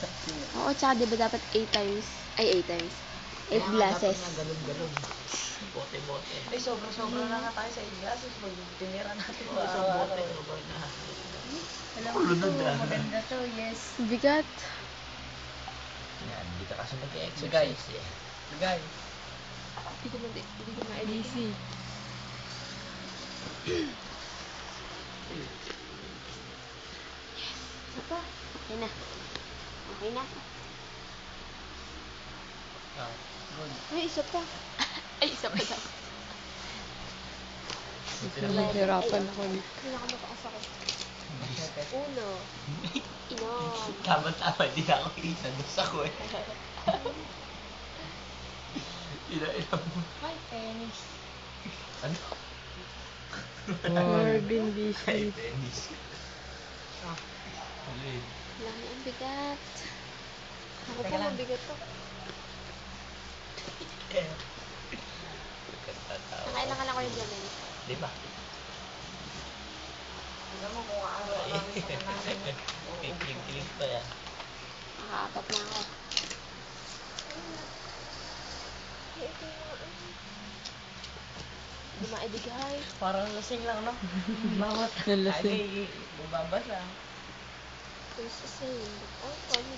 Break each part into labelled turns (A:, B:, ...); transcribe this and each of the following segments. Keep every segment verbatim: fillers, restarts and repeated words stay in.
A: Oo, tsaka diba dapat eight times? Ay, eight times. eight glasses.
B: Dapat nga galon-galon. Bote-bote.
C: Ay, sobra-sobra na nga tayo sa eight glasses. Pag tinira natin
B: Oo,
C: pa
B: isang bote.
C: araw-araw.
B: Sobrang na.
D: Alam mo
B: Lunod
D: to,
B: ah.
D: maganda to, yes.
A: Bigat.
B: Yan, hindi ka kasi
C: So, guys.
B: nag-exercise eh.
C: Guys.
A: Hindi ko na, hindi ko na edit.
D: Easy.
A: Apa? Okay na. Okay na.
B: Ah, good.
A: Ay, isa pa. Ay, isa pa daw.
D: Nahihirapan ako.
A: Pinakamataas ako. Uno. Inom.
B: Tama-tama, di na ako isa. Dos ako eh. Ina-ina mo.
D: Hi, tennis.
B: Ano?
D: Marvin
B: Ay,
D: Biscuit.
B: tennis.
C: Ah.
B: Alin?
A: Lami ang bigat. Ako
C: Teka
A: pa,
C: lang.
A: mabigat to.
B: Eh. Nagkatatawa.
A: Nakailangan ako yung Jamel.
B: Di ba?
C: Tignan mo kung araw namin sa kanamin.
B: Kikilig-kilig pa yan.
A: Nakaapat na ako. Hindi maidigay.
C: Parang lasing lang, no? Bawat
D: Nalasing.
C: agay, bubabasa.
A: It's the same. Oh, funny.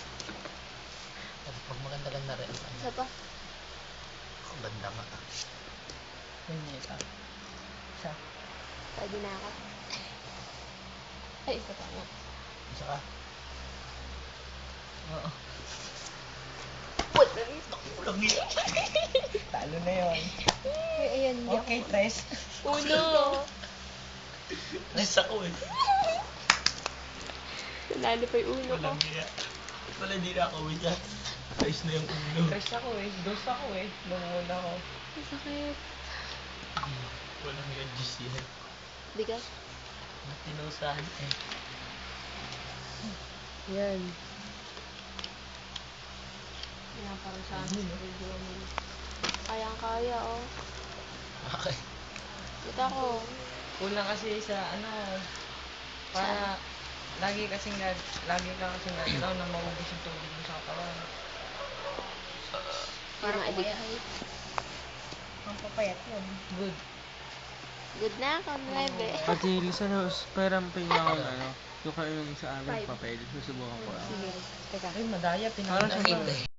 B: Pag maganda-ganda rin.
A: Isa pa.
B: Ang ganda nga.
C: Punyeta. Isa.
A: Pwede na ako. Ay, isa pa nga.
B: Isa ka?
C: Oo.
B: What? Nakulang yan.
C: Talo na yun.
A: Ay, ayan. Hindi
C: Okay,
A: ako.
C: tres.
A: Uno.
B: Nice ako eh.
A: Nanalo pa yung uno ko.
B: Walang niya. Wala di na ako with that. Ayos na yung ulo.
C: Tres ako eh. Dos ako eh. Lumuna ako.
A: Ang sakit.
B: Walang nga juice yan.
A: Bigat.
B: Matinusahan eh.
D: Yan.
A: Pinaparang sa akin. Kayang-kaya, oh.
B: Okay.
A: Ito ako.
C: Kulang kasi sa ano, para lagi kasing nag, lagi ka kasing naglaw na maubos yung tubig mo sa katawan.
A: Para maidigay.
C: Ang papayat yun. Good.
A: Good na ako, nuebe.
E: Pati Lisa, parang pingin ako ng ano, yung kayo yung sa amin papel, susubukan ko lang.
A: Sige.
C: Teka, ay madaya,
E: Parang
C: pinakita.
E: siyang